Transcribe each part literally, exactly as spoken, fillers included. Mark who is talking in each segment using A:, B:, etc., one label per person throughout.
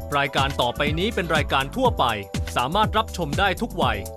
A: รายการต่อไปนี้เป็นรายการทั่วไปสามารถรับชมได้ทุกวัย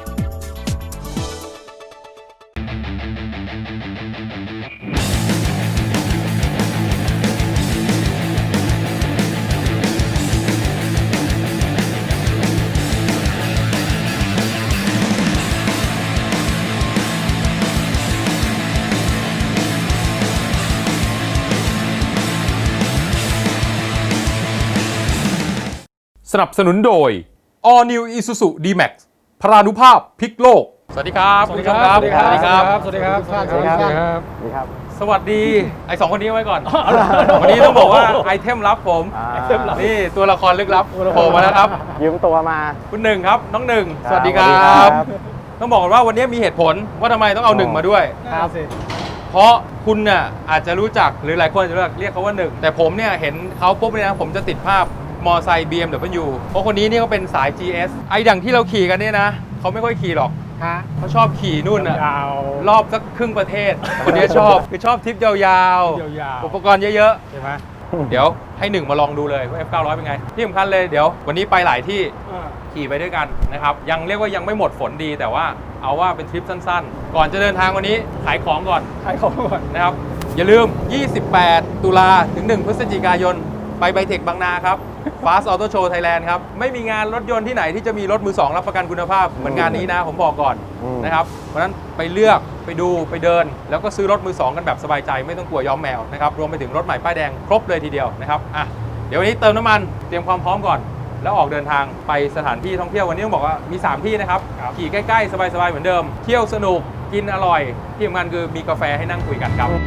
B: สนับสนุนโดย All New Isuzu D-Max พรานุภาพพลิกโลกสวัสดีครับ
C: สวัสดีครับ
B: สวัสดีครับ
C: สวัสดีครับ สวัสดีครับ สวัสดีครับ
D: สวัสดีครับ
B: สวัสดีไอสองคนนี้ไว้ก่อน วันนี้ต้องบอกว่าไอเทมลับผมนี่ตัวละครลึกลับโผล่มาแล้วครับ
D: ยืมตัวมา
B: คุณหนึ่งครับน้องหนึ่ง
D: ครับ
B: สวัสดีครั
D: สวัสดีครับ บ
B: ต้องบอกก่อนว่าวันนี้มีเหตุผลว่าทำไมต้องเอาหนึ่งมาด้วย
D: ครับ
B: เพราะคุณน่ะอาจจะรู้จักหรือหลายคนอาจจะเรียกเขาว่าหนึ่งแต่ผมเนี่ยเห็นเขาปุ๊บเนี่ยนะผมจะติดภาพมอไซค์ บี เอ็ม ดับเบิลยู เพราะคนนี้นี่ก็เป็นสาย จี เอส ไอ้ดังที่เราขี่กันเนี่ยนะเขาไม่ค่อยขี่หรอกเขาชอบขี่นู่นน่ะรอบสักครึ่งประเทศ คนนี้ชอบคือชอบทริปยาวๆอุปกรณ์เยอะๆใช่ไหมเดี๋ยวให้หนึ่งมาลองดูเลยว่า เอฟ เก้าร้อย เป็นไงที่สำคัญเลยเดี๋ยววันนี้ไปหลายที่ขี่ไปด้วยกันนะครับยังเรียกว่ายังไม่หมดฝนดีแต่ว่าเอาว่าเป็นทริปสั้นๆ ก่อนจะเดินทางวันนี้ขายของก่อนขายของก่อนนะครับอย่าลืมยี่สิบแปดตุลาถึงหนึ่งพฤศจิกายนไปไบเทคบางนาครับ Fast Auto Show Thailand ครับไม่มีงานรถยนต์ที่ไหนที่จะมีรถมือสองรับประกันคุณภาพเหมือนงานนี้นะผมบอกก่อนนะครับเพราะฉะนั้นไปเลือกไปดูไปเดินแล้วก็ซื้อรถมือสองกันแบบสบายใจไม่ต้องกลัวย้อมแมวนะครับรวมไปถึงรถใหม่ป้ายแดงครบเลยทีเดียวนะครับอ่ะเดี๋ยววันนี้เติมน้ำมันเตรียมความพร้อมก่อนแล้วออกเดินทางไปสถานที่ท่องเที่ยววันนี้ต้องบอกว่ามีสามที่นะครับขี่ใกล้ๆสบายๆเหมือนเดิมเที่ยวสนุกกินอร่อยที่สำคัญคือมีกาแฟให้นั่งคุยกันครับ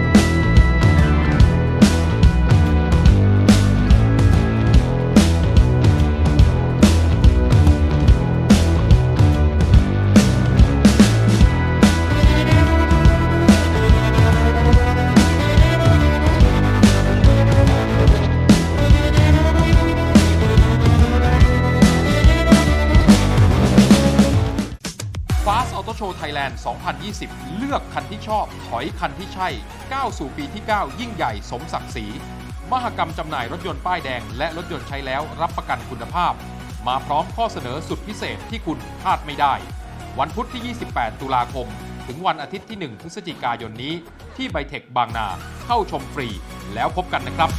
B: Fast Auto Show Thailand สองพันยี่สิบ เลือกคันที่ชอบถอยคันที่ใช่ก้าวสู่ปีที่ เก้า ยิ่งใหญ่สมศักดิ์ศรีมหกรรมจำหน่ายรถยนต์ป้ายแดงและรถยนต์ใช้แล้วรับประกันคุณภาพมาพร้อมข้อเสนอสุดพิเศษที่คุณพลาดไม่ได้วันพุธที่ ยี่สิบแปด ตุลาคมถึงวันอาทิตย์ที่ หนึ่ง พฤศจิกายนนี้ที่ไบเทคบางนาเข้าชมฟรีแล้วพบกันนะครับ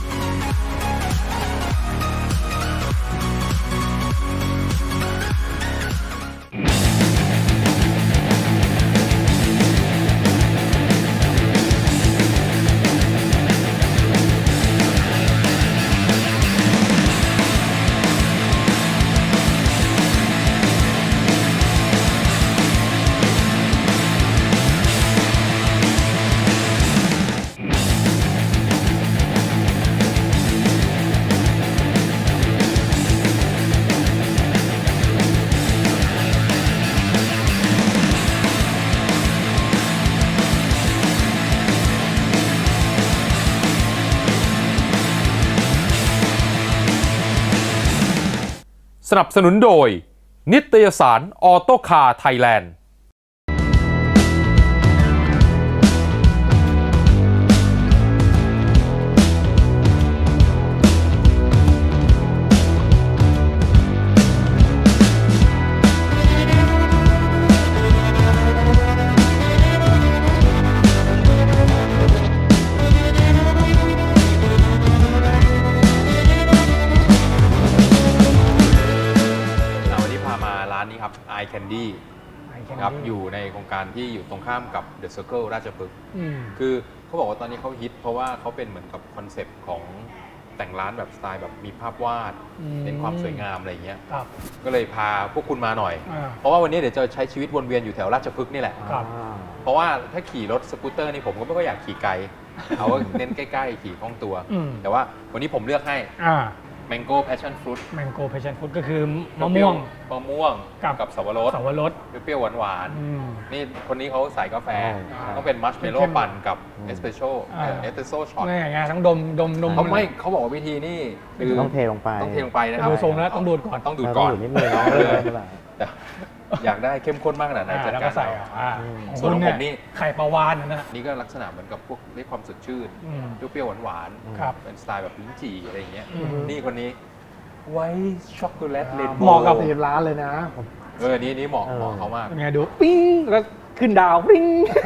B: สนับสนุนโดยนิตยสารออโต้คาร์ไทยแลนด์ไอ Candy ครับอยู่ในโครงการที่อยู่ตรงข้ามกับ The Circle ราชพฤกษ์คือเขาบอกว่าตอนนี้เขาฮิตเพราะว่าเขาเป็นเหมือนกับคอนเซปต์ของแต่งร้านแบบสไตล์แบบมีภาพวาดเน้นความสวยงามอะไรเงี้ยก็เลยพาพวกคุณมาหน่อยเพราะว่าวันนี้เดี๋ยวจะใช้ชีวิตวนเวียนอยู่แถวราชพฤกษ์นี่แหละเพราะว่าถ้าขี่รถสกูตเตอร์นี่ผมก็ไม่ค่อยอยากขี่ไกลเอาเน้นใกล้ๆขี่คล่องตัวแต่ว่าวันนี้ผมเลือกให้Mango Passion Fruit
C: Mango Passion Fruit ก็คือมะม่วง
B: มะม่วงกับสับปะรด
C: สับปะรด
B: เปรี้ยวหวานๆนี่คนนี้เขาใส่กาแฟต้องเป็นมัชเมลโล่ปั่นกับเอสเปรสโซ่เอสเปรสโซ่ช็อต
C: นี่ไงทั้งดมดมดม
B: เขาไม่เขาบอกว่าวิธีนี่
D: คือต้องเทลงไป
B: ต้องเทลงไปนะครับ
C: ดูทรงแล้วต้องดูดก่อน
B: ต้องดูดก่อน
D: นิดนึงเลย
B: อยากได้เข้มข้นมากขนาดไหนจัดการใส่ส่วนของผมนี่
C: ไข่ปลาวานนะ
B: นี่ก็ลักษณะเหมือนกับพวกได้ความสดชื่นเปรี้ยวหวานๆเป็นสไตล์แบบลิ้นจี่อะไรอย่างเงี้ยนี่คนนี้ไวท์ช็อกโกแลตเรนโบว์
C: เหมาะกับ
E: ตีร้านเลยนะ
B: เออนี้นี้เหมาะเหมาะเขามาก
C: เป็นไงดูปิ้งแล้วขึ้นดาวปิ้ง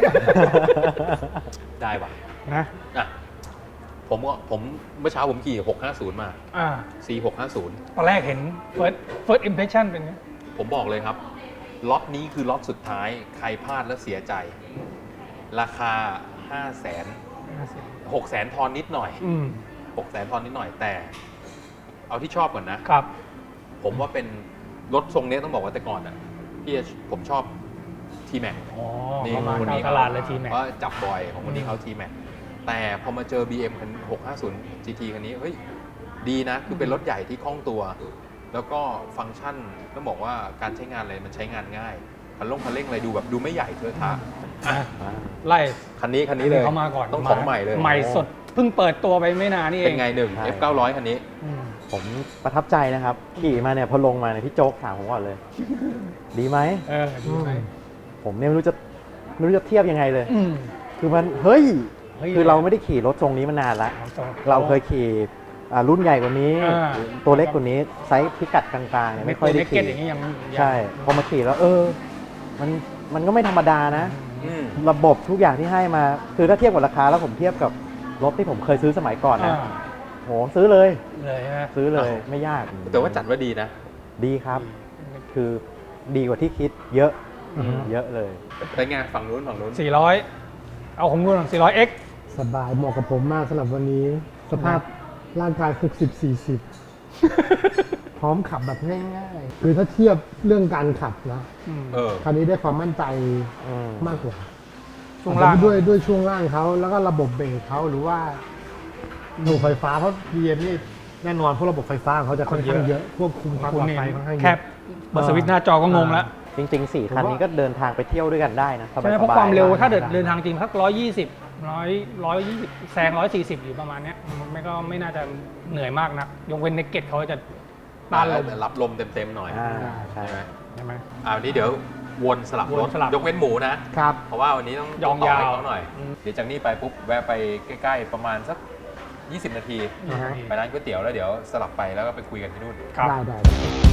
B: ได้ป่ะ
C: นะ
B: อ่ะผมก็ผมเมื่อเช้าผมขี่หกห้าศูนย์มา
C: อ่า
B: C หกห้าศูนย์
C: ตอนแรกเห็น first first impression เป็นไง
B: ผมบอกเลยครับ ล็อตนี้คือล็อตสุดท้าย ใครพลาดแล้วเสียใจ ราคา ห้าแสน หกแสนทอนนิดหน่อย
C: อืม
B: หกแสนทอนนิดหน่อยแต่ เอาที่ชอบก่อนนะ
C: ครับ
B: ผมว่าเป็นรถทรงนี้ต้องบอกว่าแต่ก่อนอ่ะพี่ผมชอบ T-Max
C: อ๋อ
B: นี่
C: เข้ามา
B: คนนี้
C: เข้าตลาดเลยทีแม็ก
B: เพราะจับบ่อยของคนนี้เขา T-Max แต่พอมาเจอ บี เอ็ม คันหกห้าศูนย์ จี ที คันนี้เฮ้ยดีนะ คือเป็นรถใหญ่ที่คล่องตัว แล้วก็ฟังก์ชันต้องบอกว่าการใช้งานอะไรมันใช้งานง่ายคันลงคันเร่งอะไรดูแบบดูไม่ใหญ่เทอะทะ
C: อ่ะไล่
B: คันนี้คันนี้เลย
C: เขามาก่อน
B: ต้องของใหม่เลย
C: ใหม่สดเพิ่งเปิดตัวไปไม่นานนี่เอ
B: เป็น
C: ง
B: ไงหนึ่ง
D: ใช่
B: เอฟ เก้าร้อย คันนี้
C: อืม
D: ผมประทับใจนะครับ ขี่มาเนี่ยพอลงมาเนี่ยพี่โจ๊กถามผมก่อนเลย ดีไหม
C: เออดีไหม
D: ผมเนี่ยไม่รู้จะไม่รู้จะเทียบยังไงเลย
C: อืม
D: คือมันเฮ้ย
C: เฮ้ย
D: คือเราไม่ได้ขี่รถทรงนี้มานานละ
C: เอาต่อ
D: เราเคยขี่อ่ารุ่นใหญ่กว่านี้
C: อ่า
D: ตัวเล็กกว่านี้ไซส์พิกัดกลางๆเนี่ยไม่ค่อยได้
C: เก็ต
D: ขี่
C: อย่างนี้ยังยัง
D: ใช่ พอมาขี่แล้วเออ มันมันก็ไม่ธรรมดานะ
B: อืม
D: ระบบทุกอย่างที่ให้มา คือถ้าเทียบกับราคาแล้วผมเทียบกับรถที่ผมเคยซื้อสมัยก่อน
C: อ่า
D: นะโหซื้อเลย
C: เลยใช่ไหม
D: ซื้อเลย
B: อ้าว
D: ไม่ยาก
B: แต่ว่าจัดว่าดีนะ
D: ดีครับ คือดีกว่าที่คิดเยอะ
C: อือฮึ
D: เยอะเลย
B: เป็นไงฝั่งนู้นฝั่งนู้น
C: สี่ร้อยเอาของคุณสี่ร้อยเอ็ก
E: สบายเหมาะกับผมมากสำหรับวันนี้ สภาพร่างกาย หกสิบ สี่สิบ พร้อมขับแบบง่ายๆ คือถ้าเทียบเรื่องการขับนะ
B: เออ
E: คันนี้ได้ความมั่นใจ
D: อืม
E: มากกว่า
C: ช่วงล่าง
E: ด้วยด้วยช่วงล่างเขาแล้วก็ระบบเบรกเขาหรือว่าระบบไฟฟ้าเพราะ บี เอ็ม นี่แน่นอนพวกระบบไฟฟ้าของเขาจะค่อนข้างเยอะควบคุมความปลอดภัยค่อนข้างเย
C: แค
E: อะ
C: บเปิดสวิตช์หน้าจอก็งงแล้ว
D: จริงๆสี่คันนี้ก็เดินทางไปเที่ยวด้วยกันได้นะสบายๆ
C: ใช่ไหมเพราะความเร็วถ้าเดิน
E: ได้
C: เดินทางจริงสักร้อยยี่สิบร้อยร้อยยี่สิบแซงร้อยสี่สิบอยู่ประมาณเนี้ยมันไม่ก็ไม่น่าจะเหนื่อยมากนะยกเว้นเนกเก็ตเขาจะต้านลม
B: รับลมเต็มๆหน่อย
D: อ่าใช่
B: ใช่ไหม
C: ใช่ไหม
B: อ่าวันนี้เดี๋ยววนสลับ
C: วน
B: รถ
C: สลับ
B: ยกเว้นหมูนะ
E: ครับ
B: เพราะว่าวันนี้ต้อง
C: ยอง
B: ต่ให้
C: ยาว
B: เขาหน่อย
C: อืม
B: เดี๋ยวจากนี้ไปปุ๊บแวะไปใกล้ๆประมาณสัก ยี่สิบ นาที
E: อ่าฮะ
B: ไปร้านก๋วยเตี๋ยวแล้วเดี๋ยวสลับไปแล้วก็ไปคุยกันที่นู่น
C: ครับ
E: ได้ได้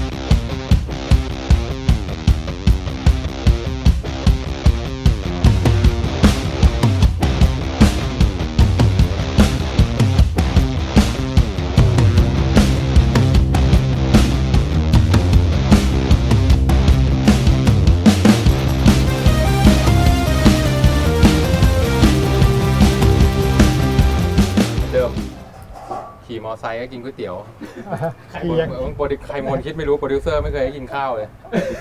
B: เดิมขี่มอไซค์ก็กินก๋วยเตี๋ยว
E: เคียง
B: บางโปรดิใครมนคิดไม่รู้โปรดิวเซอร์ไม่เคยให้กินข้าวเลย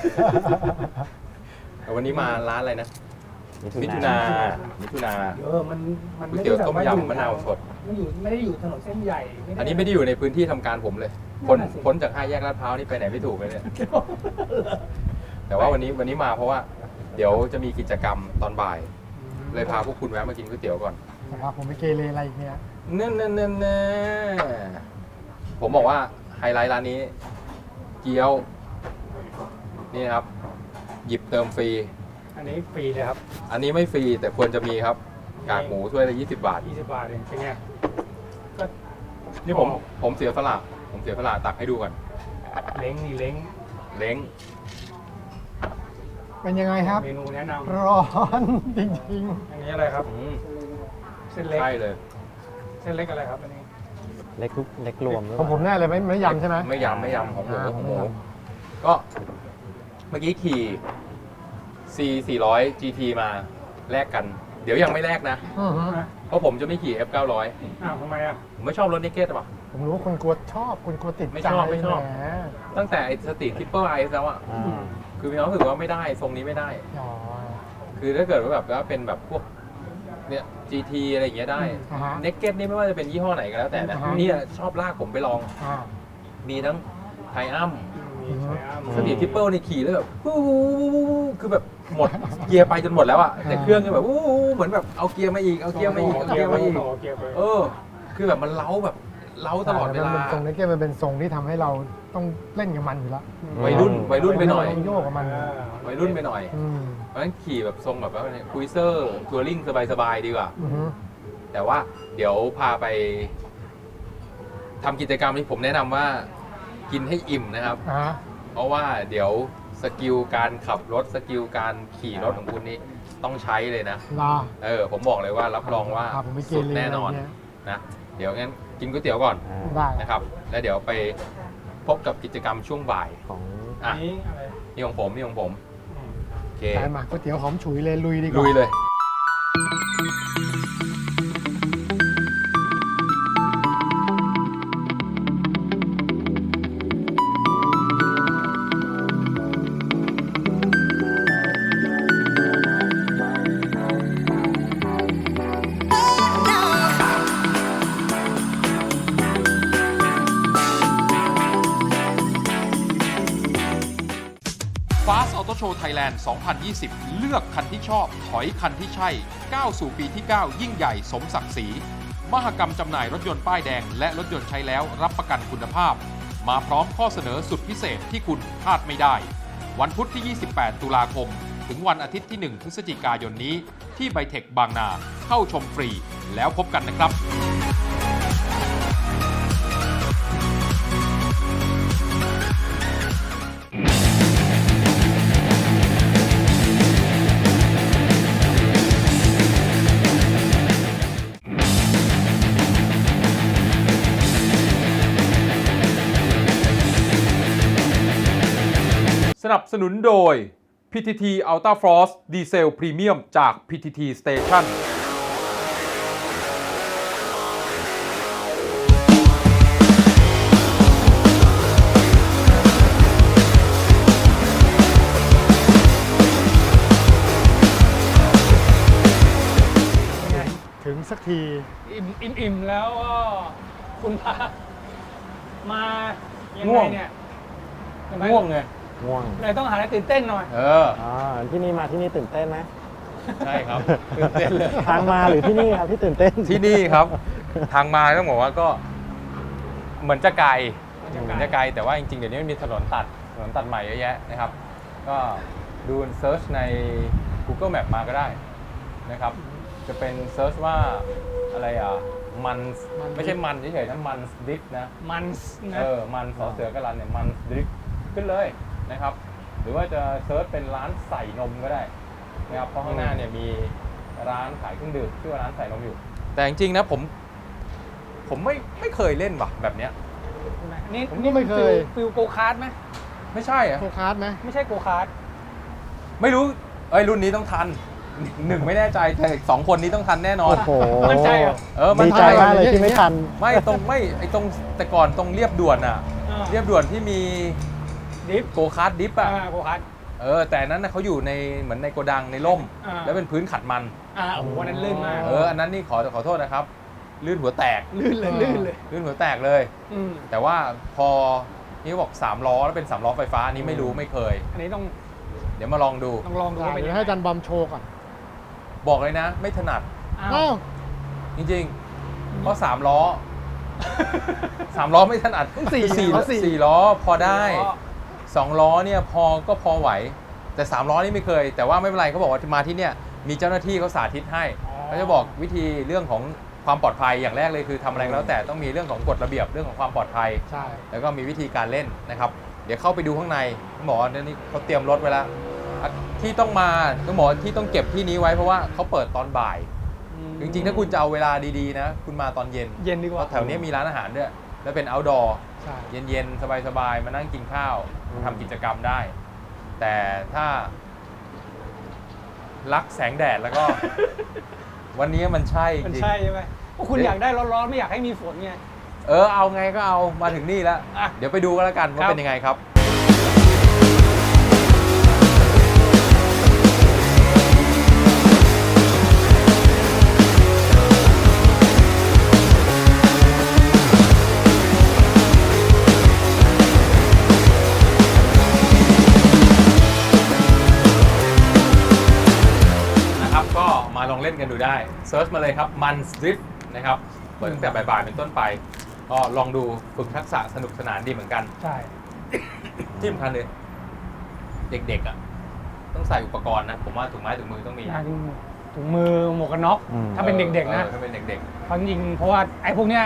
B: แต่วันนี้มาร้านอะไรนะ มิถุนามิถุนา
C: เออมันมัน
B: ก๋วยเตี๋ยวต้มยำมะนาวสด
C: ไม่อยู่ไม่ได้อยู่ถนนเส้นใหญ่
B: อันนี้ไม่ได้อยู่ในพื้นที่ทำการผมเลยพ้นพ้นจากห้าแยกลาดพร้าวนี่ไปไหนไม่ถูกเลยเนี่ย แต่ว่าวันนี้วันนี้มาเพราะว่า เดี๋ยวจะมีกิจกรรมตอนบ่าย เลยพาพวกคุณแวะมากินก๋วยเตี๋ยวก่อน
E: นะครับผมไม่เกเรอะไรอีกเนี่ย
B: เน่เน่เน่เน่ผมบอกว่าไฮไลท์ร้านนี้ เกี๊ยว นี่นะครับ หยิบเติมฟรี
C: อันนี้ฟรีเลยครับ
B: อันนี้ไม่ฟรีแต่ควรจะมีครับ กากหมูถ้วยละยี่สิบบาท
C: ยี่สิบบาทเองเป็นไงก็
B: นี่ผมผมเสียสละผมเสียสละตักให้ดูก่อน
C: เล้งนี่เล้ง
B: เล้ง
E: เป็นยังไงครับ
C: เมนูแนะน
E: ร้อนจริง
C: ำอันนี้อะไรครับ
B: อืม
C: เส้นเล็ก
B: ใช่เลย
C: เส้นเล็กอะไรครับอันนี้
D: เล็กทุกเล็กรวมหรือ
E: ๆ
D: เป
E: ของผม
D: ล่า
E: แน่เลยไม่ไม่ยำใช่ไหม
B: ไม่ยำไม่ยำของหมู
E: อ่า
B: ของห
E: ไม่
B: มู
E: ย
B: ก็เมื่อกี้ขี่ C สี่ร้อย จี ที มาแลกกัน เดี๋ยวยังไม่แลกนะ
E: อือฮึ
B: เพราะผมจะไม่ขี่ เอฟ เก้าร้อย
C: อ้าวทำไมอ่ะ
B: ผมไม่ชอบรถนิกเก็ตป่ะ
E: ผมรู้ว่าคุณกลัวชอบคุณกลัวติด
B: ไม่
E: ใจ
B: ชอบไม่ชอบ
E: แหม
B: ตั้งแต่ไอ้สตรีททริปเปอร์ไอแล้วอะ
D: อ่า
B: คือมีความรู้สึกว่าไม่ได้ทรงนี้ไม่ได้
E: อ๋อ
B: คือถ้าเกิดว่าแบบว่าเป็นแบบพวกเนี่ย จี ที อะไรอย่างเงี้ยได้
E: อ่าฮะ
B: เน็กเก็ตนี่ไม่ว่าจะเป็นยี่ห้อไหนก็แล้วแต่นะ
E: อ่าฮะ
B: เนี่ยชอบลากผมไปลอง
E: อ่า
B: มีทั้งไทอัม
C: มีใช่อ้ำ
B: สตรีททริปเปิลนี่ขี่แล้วแบบวู้วู้วู้วู้วู้คือแบบหมดเกียร์ไปจนหมดแล้วอะแต่เครื่องก็แบบวู้วู้เหมือนแบบเอาเกียร์มาอีกเอาเกียร์มาอีกเอาเกียร์มาอีก
C: โเกียร์ไป
B: เออ คือแบบมันเล้าแบบเล้าตลอดเวลา
E: มันเป็นทรงนี้เกมมันเป็นทรงที่ทำให้เราต้องเล่นกับมันอยู่แล้ว
B: วัยรุ่นวัยรุ่นไปหน่อย
E: ต้องโยกกับมัน
C: อ่า
B: วัยรุ่นไปหน่อย
E: อืม
B: เพราะฉะนั้นขี่แบบทรงแบบว่าคุยเซอร์ทัวริงสบายๆดีกว่า
E: อือฮึ
B: แต่ว่าเดี๋ยวพาไปทำกิจกรรมที่ผมแนะนำว่ากินให้อิ่มนะครับ
E: อ่า
B: เพราะว่าเดี๋ยวสกิลการขับรถสกิลการขี่รถของคุณนี่ต้องใช้เลยนะ
E: รอ
B: เออผมบอกเลยว่ารับรองว่า
E: ครับผมไม่เก
B: สุด
E: เร
B: แน่นอน
E: อะไรเงี้ย
B: นะเดี๋ยวงั้นกินก๋วยเตี๋ยวก่อน
D: อ่า
E: ได้
B: นะครับ แล้วเดี๋ยวไปพบกับกิจกรรมช่วงบ่าย
D: ของ
B: อ่ะ
C: นี้อะไร
B: นี่ของผมนี่ของผม
C: อืม
B: โอเค
E: ไปมาก๋วยเตี๋ยวหอมฉุยเลยลุยดีกว่า
B: ลุยเลย Fast Auto Show Thailand สองพันยี่สิบ เลือกคันที่ชอบ ถอยคันที่ใช่ ก้าวสู่ปีที่ เก้า ยิ่งใหญ่สมศักดิ์ศรี มหกรรมจำหน่ายรถยนต์ป้ายแดงและรถยนต์ใช้แล้วรับประกันคุณภาพ มาพร้อมข้อเสนอสุดพิเศษที่คุณพลาดไม่ได้ วันพุธที่ ยี่สิบแปด ตุลาคม ถึงวันอาทิตย์ที่ หนึ่ง พฤศจิกายนนี้ ที่ไบเทคบางนา เข้าชมฟรี แล้วพบกันนะครับ สนับสนุนโดย พี ที ที Ultra Frost Diesel Premium จาก พี ที ที Station
E: ถึงสักที
C: อิ่มอิ่มอิ่มแล้วก็คุณพามายัง
B: ง่
C: ไง
B: วง
C: เนี่ยเห็นไหม
B: ง่วงไง
D: ง่วง
C: เลยต้องหาอะไรตื่นเต้นหน่อย
B: เออ
D: อ่าที่นี่มาที่นี่ตื่นเต้นไหม
B: ใช่ครับตื่นเต้นเลย
D: ทางมาหรือที่นี่ครับที่ตื่นเต้น
B: ที่นี่ครับ ทางมาต้องบอกว่าก็เหมือนจะไกล
C: เหมือนจะไกล
B: เหมือนจะไกลแต่ว่าจริงๆ เดี๋ยวนี้มันมีถนนตัดถนนตัดใหม่เยอะแยะนะครับ ก็ดูเซิร์ชใน Google Map มาก็ได้นะครับ จะเป็นเซิร์ชว่าอะไรอ่ะ มัน
E: มัน
B: ไม่ใช่มันเฉยๆนะมันดิฟนะ
C: มันนะ
B: เออ มันสอเสือกระลันเนี่ย มันดริฟขึ้นเลยนะครับ หรือว่าจะเซิร์ชเป็นร้านใส่นมก็ได้นะครับ เพราะข้างหน้าเนี่ยมีร้านขายเครื่องดื่มชื่อว่าร้านใส่นมอยู่ แต่จริงๆนะผม ผมไม่ไม่เคยเล่นว่ะแบบเนี้ย
C: ใช่ไหมนี่
E: ผมก็ไม่เคย
C: ฟิลโกคาร์ดไหม
B: ไม่ใช่อะ
E: โคคาร์ดไหม
C: ไม่ใช่โกคาร์ด
B: ไม่รู้ เอ้ยรุ่นนี้ต้องทัน หนึ่งไม่แน่ใจแต่อีกสองคนนี้ต้องทันแน่นอน
D: โอ้โห
C: มั่นใจเหรอ
B: เออมัน
D: ดีใจมากเลยที่ไม่ทัน
B: ไม่ตรงไม่ไอตรงแต่ก่อนตรงเรียบด่วนอ่ะ
C: อ่า
B: เรียบด่วนที่มี
C: ดิฟ
B: โกคาร์ดดิฟอ่ะ
C: อ่าโกคาร์ด
B: เออแต่อันนั้นนะเขาอยู่ในเหมือนในโกดังในร่ม
C: อ่า
B: แล้วเป็นพื้นขัดมัน
C: อ่าโอ้โหวันนั้นลื่นมาก
B: เอออันนั้นนี่ขอขอโทษนะครับ ลื่นหัวแตก
C: ลื่นเลยลื่นเลย
B: ลื่นหัวแตกเลย
C: อืม
B: แต่ว่าพอนี่เขาบอกสามล้อแล้วเป็นสามล้อไฟฟ้าอันนี้ไม่รู้ไม่เคย
C: อันนี้ต้อง
B: เดี๋ยวมาลองดู
C: ต้องลองดู
E: ได้
C: ว่าเป็น
E: เดี๋
C: ยั
E: ยว
C: ง
E: ให้
C: ไง
E: อาจันบอมโชว์ก่อน
B: บอกเลยนะ ไม่ถนัด
C: อ้าว
E: อ้าว
B: จริงๆ เพราะสามล้อสามล้อไม่ถนัด
C: สี่
B: สี่
C: ล้อสี่
B: สี่ล้อพอได้
C: ล้อ
B: สองล้อเนี่ยพอก็พอไหว แต่สามล้อนี่ไม่เคย แต่ว่าไม่เป็นไรเขาบอกว่ามาที่เนี่ยมีเจ้าหน้าที่เขาสาธิตให้เขาจะบอกวิธีเรื่องของความปลอดภัยอย่างแรกเลยคือทำอะไรก็แล้วแต่ต้องมีเรื่องของกฎระเบียบเรื่องของความปลอดภัย
E: ใช่
B: แล้วก็มีวิธีการเล่นนะครับ เดี๋ยวเข้าไปดูข้างในต้องบอกว่าเดี๋ยวนี้เขาเตรียมรถไว้แล้วอ่ะที่ต้องมาต้องบอกว่าที่ต้องเก็บที่นี้ไว้เพราะว่าเขาเปิดตอนบ่าย
C: อืม
B: จริงๆ ถ้าคุณจะเอาเวลาดีๆนะ คุณมาตอนเย็น
C: เย็นดีก
B: เพ
C: ว่า
B: ราะแถวนี้มีร้านอาหารด้วย แล้วเป็น outdoor
E: ใช่
B: เย็นๆ สบายๆ มานั่งกินข้าวทำกิจกรรมได้ แต่ถ้า รักแสงแดดแล้วก็ วันนี้มันใช่จ
C: มัน
B: ริง
C: ใช่ใช่ไหมพวกคุณอยากได้ร้อนๆไม่อยากให้มีฝนไง
B: เออเอาไงก็เอามาถึงนี่แล้ว
C: อ่ะ
B: เดี๋ยวไปดูกันแล้วกันว่า
C: ครับ
B: เป็นยังไงครับ นะครับก็มาลองเล่นกันดูได้เซิร์ชมาเลยครับมันสตริฟนะครับเปิดตั้งแต่บ่ายๆเป็นต้นไป ก็ลองดูฝึกทักษะสนุกสนานดีเหมือนกัน
C: ใช่
B: ที่สำคัญเลย เด็กๆอ่ะต้องใส่อุปกรณ์นะ ผมว่าถุงไม้ถุงมือต้องมี
C: งานถุงมือหมวกกันน็อก
D: อืม
C: ถ้าเป็นเด็กๆนะ
B: ออถ้าเป็นเด็ก
C: เพราะจริงๆเพราะว่าไอ้พวกเนี้ย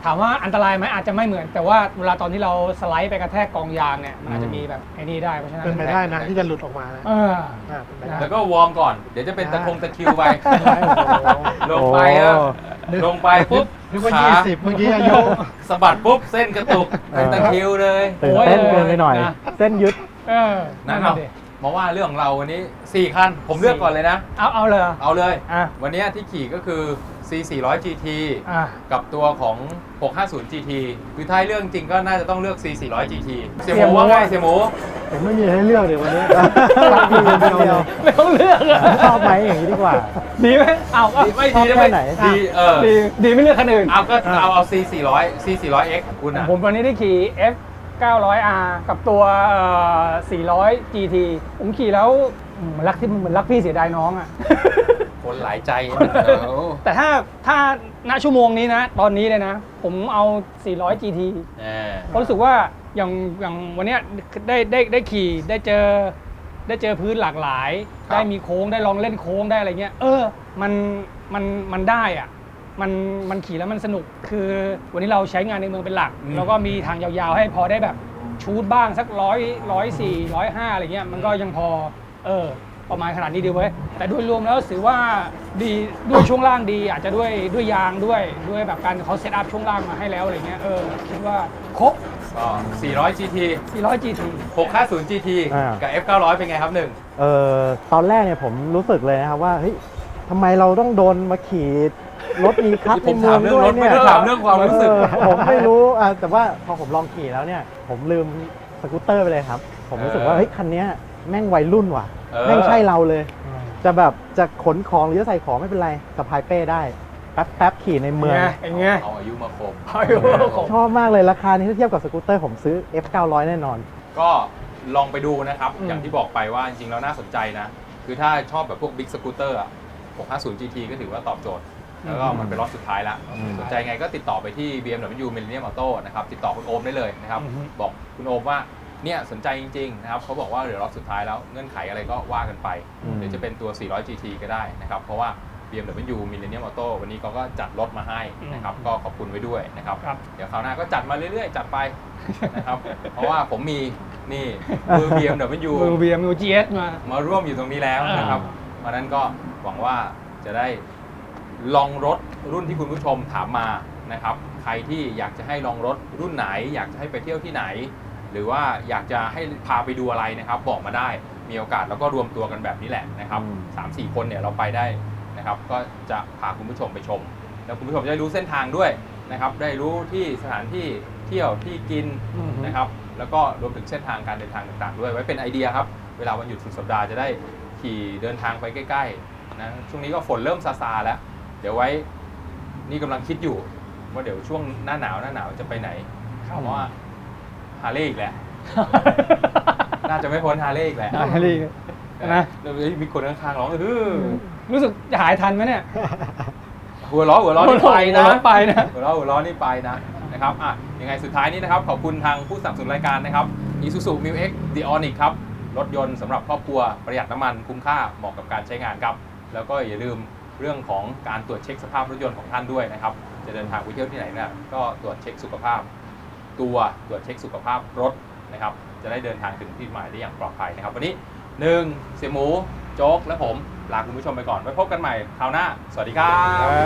C: ถามว่าอันตรายไหมอาจจะไม่เหมือน แต่ว่าเวลาตอนที่เราสไลด์ไปกระแทกกองยางเนี่ยมันอาจจะมีแบบไอ้นี่ได้เพราะฉะนั้น
E: เป็นไปได้นะที่จะหลุดออกมานะ
C: เออ
E: อ่าเป็นไปได้
B: แล้วก็วอร์มก่อน เดี๋ยวจะเป็นตะคงตะคริวไป
E: โอ้โห
B: ลงไปแล้วลงไปปุ๊บ
E: นึกว่า
B: ขา
E: ยี่สิบเมื่อกี้อายุ
B: สะบัดปุ๊บเส้นกระตุกเป็นตะคริวเลย
D: ตื่นเต้นเกินไปหน่อย
C: นะ
D: เส้นยึด
C: เออ
B: นะ
C: นั่น
B: ครั
C: น่ะ
B: บ
C: ดิ
B: มาว่าเรื่องของเราวันนี้สี่คันผมเลือกก่อนเลยนะ
C: เอาเอาเลย
B: เอาเลย
C: อ่ะ
B: วันนี้ที่ขี่ก็คือ ซี สี่ร้อย จี ที
C: อ่ะ
B: กับตัวของ หกห้าศูนย์ จี ที คือท้ายเรื่องจริงก็น่าจะต้องเลือก ซี สี่ร้อย จี ที เสี่ยหมูว่าไงเสี่ยหมู
E: ผมไม่มีให้เลือกเดี๋ยววันนี้
D: รักดีคนเดียว
C: ไม่ต้องเลือกอะ
D: ชอบไหมอย่างนี้ดีกว่า
C: ดีไหมเอาก็
B: ดีไม่ดีนะ
D: ชอบแค่
B: ไม่
D: ไหน
B: ดีเออ
C: ดีดีไม่เลือกคันอื่น
B: เอาก็เอาเอา ซี สี่ร้อย ซี สี่ร้อย เอ็กซ์ คุณอ่ะ
C: ผมวันนี้ได้ขี่ F เก้าร้อย อาร์ กับตัวเอ่อสี่ร้อย จี ที ผมขี่แล้วอืมมันรักที่เหมือนรักพี่เสียดายน้องอ่ะ
B: คนหลายใจเออ
C: แต่ถ้าถ้าณชั่วโมงนี้นะ ตอนนี้เลยนะ ผมเอา สี่ร้อย จี ที
B: แหม
C: เพราะรู้สึกว่าอย่างอย่างวันเนี้ยได้ได้ได้ขี่ได้เจอได้เจอพื้นหลากหลาย ได้มีโค้งได้ลองเล่นโค้งได้อะไรเงี้ยเออมันมันมันได้อ่ะมันมันขี่แล้วมันสนุกคือวันนี้เราใช้งานในเมืองเป็นหลัก แล้วก็มีทางยาวๆให้พอได้แบบชูดบ้างสักร้อยร้อยสี่ร้อยห้าอะไรเงี้ยมันก็ยังพอเออประมาณขนาดนี้ดีเว้ยแต่โดยรวมแล้วถือว่าดีด้วยช่วงล่างดี อาจจะด้วยด้วยยางด้วยด้วยแบบการเขาเซตอัพช่วงล่างมาให้แล้วอะไรเงี้ยเออคิดว่าครบ
B: ก็ สี่ร้อย จี ที
C: สี่ร้อย จี ที
B: หกห้าศูนย์ จี ที
D: อ่า
B: กับ F เก้าร้อย เป็นไงครับหนึ่ง
D: เอ่อตอนแรกเนี่ยผมรู้สึกเลยนะครับว่าเฮ้ยทำไมเราต้องโดนมาขี่รถมีคับ
B: ผม
D: ในเมื
B: ถา
D: อ
B: ม
D: ง
B: เรื่อง
D: ด้วย
B: รถ
D: เนี่
B: ไม่
D: ย
B: ได้ถามเรื่องความรู้สึก
D: เออผมไม่รู้อ่ะแต่ว่าพอผมลองขี่แล้วเนี่ย ผมลืมสกูตเตอร์ไปเลยครับ ผมรู้สึกว่า
B: เออ
D: เฮ้ยคันเนี้ยแม่งวัยรุ่นว่ะ
B: เออ
D: แม่งใช่เราเลย จะแบบจะขนของหรือจะใส่ของไม่เป็นไรสะพายเป้ได้แป๊บแป๊บขี่ในเมือง
C: อย่างเงี้ย
B: เอาอายุมาคม
C: เอาอายุมาคม
D: ชอบมากเลยราคานี้ถ้าเทียบกับสกูตเตอร์ผมซื้อ F เก้าร้อยแน่นอน
B: ก็ลองไปดูนะครับ
C: อืม
B: อย่างที่บอกไปว่าจริงๆแล้วน่าสนใจนะ คือถ้าชอบแบบพวกบิ๊กสกูตเตอร์อ่ะ หกห้าศูนย์ จี ที ก็ถือว่าตอบโจทย์ แล้วก็มันเป็นรถสุดท้ายแล้ว
D: อืม
B: สนใจไงก็ติดต่อไปที่ บี เอ็ม ดับเบิลยู Millennium Auto นะครับ ติดต่อคุณโอมได้เลยนะครับ
C: อือฮึ
B: บอกคุณโอมว่าเนี่ยสนใจจริงๆนะครับเขาบอกว่าเหลือรอบสุดท้ายแล้วเงื่อนไขอะไรก็ว่ากันไป
D: อืม
B: หรือจะเป็นตัว สี่ร้อย จี ที ก็ได้นะครับ เพราะว่า บี เอ็ม ดับเบิลยู Millennium Auto วันนี้เขาก็จัดรถมาให้นะครับ ก็ขอบคุณไว้ด้วยนะครับ
C: ครับ
B: เดี๋ยวคราวหน้าก็จัดมาเรื่อยๆ จัดไปนะครับ เพราะว่าผมมีนี่มือ บี เอ็ม ดับเบิลยู
C: มือ บี เอ็ม ยู จี เอส มา
B: มาร่วมอยู่ตรงนี้แล้วนะครับเพราะฉะนั้นก็หวังว่าจะได้ลองรถรุ่นที่คุณผู้ชมถามมานะครับ ใครที่อยากจะให้ลองรถรุ่นไหน อยากจะให้ไปเที่ยวที่ไหน หรือว่าอยากจะให้พาไปดูอะไรนะครับ บอกมาได้มีโอกาสแล้วก็รวมตัวกันแบบนี้แหละนะครับ
D: อืม
B: สามสี่คนเนี่ยเราไปได้นะครับ ก็จะพาคุณผู้ชมไปชม แล้วคุณผู้ชมจะได้รู้เส้นทางด้วยนะครับ ได้รู้ที่สถานที่เที่ยวที่กิน
C: อือฮึ
B: นะครับ แล้วก็รวมถึงเส้นทางการเดินทางต่างๆ ด้วยไว้เป็นไอเดียครับ เวลาวันหยุดสุดสัปดาห์จะได้ขี่เดินทางไปใกล้ๆนะช่วงนี้ก็ฝนเริ่มซาซาแล้ว เดี๋ยวไว้นี่กำลังคิดอยู่ ว่าเดี๋ยวช่วงหน้าหนาวหน้าหนาวจะไปไหนเพราะว่าฮาร์เลย์อีกแหละ น่าจะไม่พ้นฮาร์เลย์อีกแหละ
C: ฮาร์เลย์นะ
B: แล้วมีคนข้างๆร้องเออ
C: รู้สึกจะหายทันไหมเนี่ย
B: หัวล้อหัวล้อนี่ไปนะ
C: หัวเราะไปนะ
B: หัวล้อหัวล้อนี่ไปนะนะครับอ่ะยังไงสุดท้ายนี้นะครับขอบคุณทางผู้สนับสนุนรายการนะครับ Isuzu Mu-X The Onyx ครับรถยนต์สำหรับครอบครัวประหยัดน้ำมันคุ้มค่าเหมาะกับการใช้งานครับแล้วก็อย่าลืมเรื่องของการตรวจเช็คสภาพรถยนต์ของท่านด้วยนะครับจะเดินทางไปเที่ยวที่ไหนเนี่ยก็ตรวจเช็คสุขภาพ ตัวตรวจเช็คสุขภาพรถนะครับจะได้เดินทางถึงที่หมายได้อย่างปลอดภัยนะครับวันนี้หนึ่งเสี่ยหมูโจ๊กและผมลาคุณผู้ชมไปก่อนไว้พบกันใหม่คราวหน้าสวัสดีครับ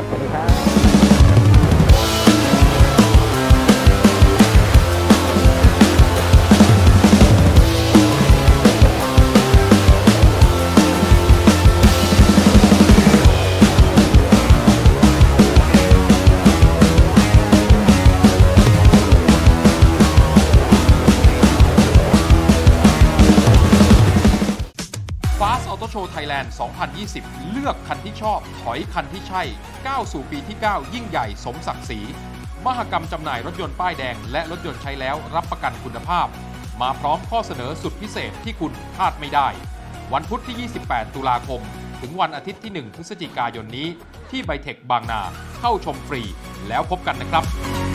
D: สวัสดีครับ
B: Fast Auto Show Thailand สองพันยี่สิบ เลือกคันที่ชอบ ถอยคันที่ใช่ ก้าวสู่ปีที่ เก้า ยิ่งใหญ่สมศักดิ์ศรี มหกรรมจำหน่ายรถยนต์ป้ายแดงและรถยนต์ใช้แล้วรับประกันคุณภาพ มาพร้อมข้อเสนอสุดพิเศษที่คุณพลาดไม่ได้ วันพุธที่ ยี่สิบแปด ตุลาคม ถึงวันอาทิตย์ที่ หนึ่ง พฤศจิกายนนี้ ที่ไบเทคบางนา เข้าชมฟรี แล้วพบกันนะครับ